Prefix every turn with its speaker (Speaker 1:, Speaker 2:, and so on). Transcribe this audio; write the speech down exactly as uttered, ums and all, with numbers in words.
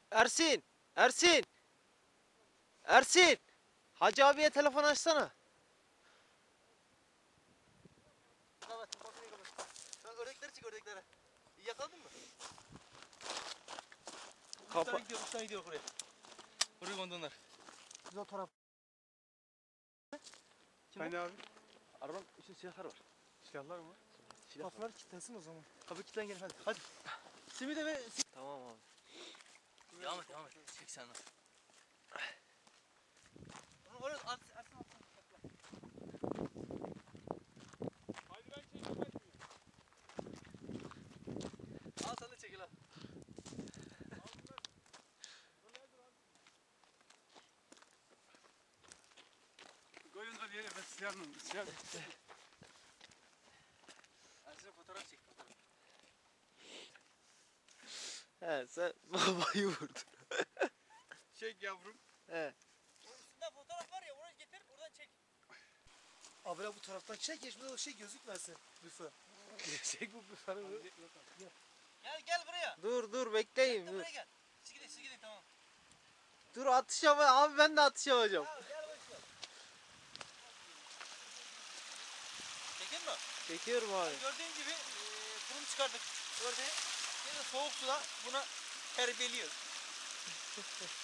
Speaker 1: Ersin! Ersin! Ersin! Hacı abiye telefon açsana.
Speaker 2: Kapat, kapıyı kapat. Sen ördekleri çık, ördekleri. İyi yakaladın mı?
Speaker 1: Kapa-
Speaker 2: Bir tane gidiyor, bir tane gidiyor oraya. Oraya kondu onlar. Biz o taraf. Kim
Speaker 3: Hani abi?
Speaker 2: Arabanın içinde silahlar var.
Speaker 3: Silahlar mı?
Speaker 2: Silah var.
Speaker 3: Kapılar kilitlensin o zaman.
Speaker 2: Kapı kilitlen gelin hadi. Hadi. Simi de ve...
Speaker 1: Tamam abi.
Speaker 2: Devam et, devam et. Çek sen onu. Onu oraya at, Ersin at.
Speaker 3: Hadi ben çekeyim hadi.
Speaker 2: Al sen de çekil al.
Speaker 3: Koyun da yere ben silahla silah.
Speaker 2: Ersin'e fotoğraf çek, fotoğraf.
Speaker 1: He sen babayı vurdun.
Speaker 3: Çek yavrum.
Speaker 1: He.
Speaker 2: Onun üstünde fotoğraf var ya, oraya getir, oradan çek.
Speaker 4: Abi bu taraftan çek ya, şurada o şey gözükmesin. Büfe.
Speaker 1: Çek bu büfeni.
Speaker 2: Gel, gel buraya.
Speaker 1: Dur dur bekleyin.
Speaker 2: Gel
Speaker 1: Dur,
Speaker 2: buraya gel. Siz gidin, siz gidin tamam.
Speaker 1: dur atış yap abi, ben de atış yapacağım.
Speaker 2: Tamam, gel başla. Çekin mi?
Speaker 1: Çekiyorum abi.
Speaker 2: Gördüğün gibi e, bunu çıkardık ördeği. Şimdi soğuk suda buna terbiyeliyoruz.